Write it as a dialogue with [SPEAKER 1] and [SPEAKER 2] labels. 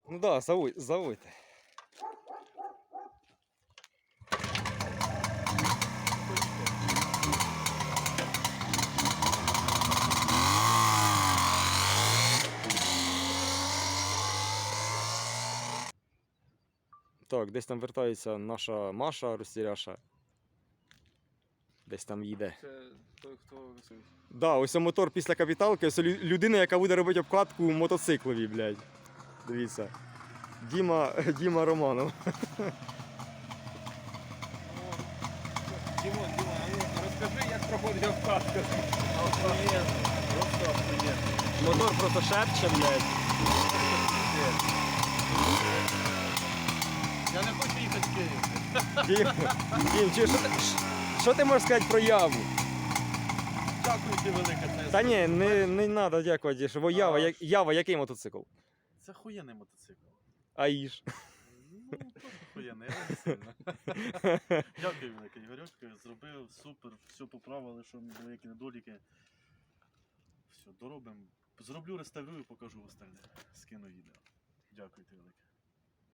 [SPEAKER 1] Ну да, заводьте. Так, десь там вертається наша Маша Ростеряша. Десь там їде.
[SPEAKER 2] Це той, хто висить.
[SPEAKER 1] Да, ось мотор після капіталки, ось людина, яка буде робити обкладку мотоциклові, блядь. Дивіться. Діма Романов.
[SPEAKER 2] Дімон, а ну розкажи, як проходить обкатка. Охуєнно, просто охуєнно.
[SPEAKER 1] Мотор просто шепче, блядь.
[SPEAKER 2] Я не хочу їхати в Київ.
[SPEAKER 1] Дім, що ти можеш сказати про Яву?
[SPEAKER 2] Дякую ти велике.
[SPEAKER 1] Та ні, не треба дякувати. Що Ява, який мотоцикл?
[SPEAKER 2] Це хуєнний мотоцикл.
[SPEAKER 1] Аїж.
[SPEAKER 2] Ну, просто хуєнний, я не сильно. Дякую велике, Ігорьочка, зробив, супер, все поправили, що були які недоліки. Все, доробимо. Зроблю, реставрую, покажу остальне. Скину відео. Дякую ти велике.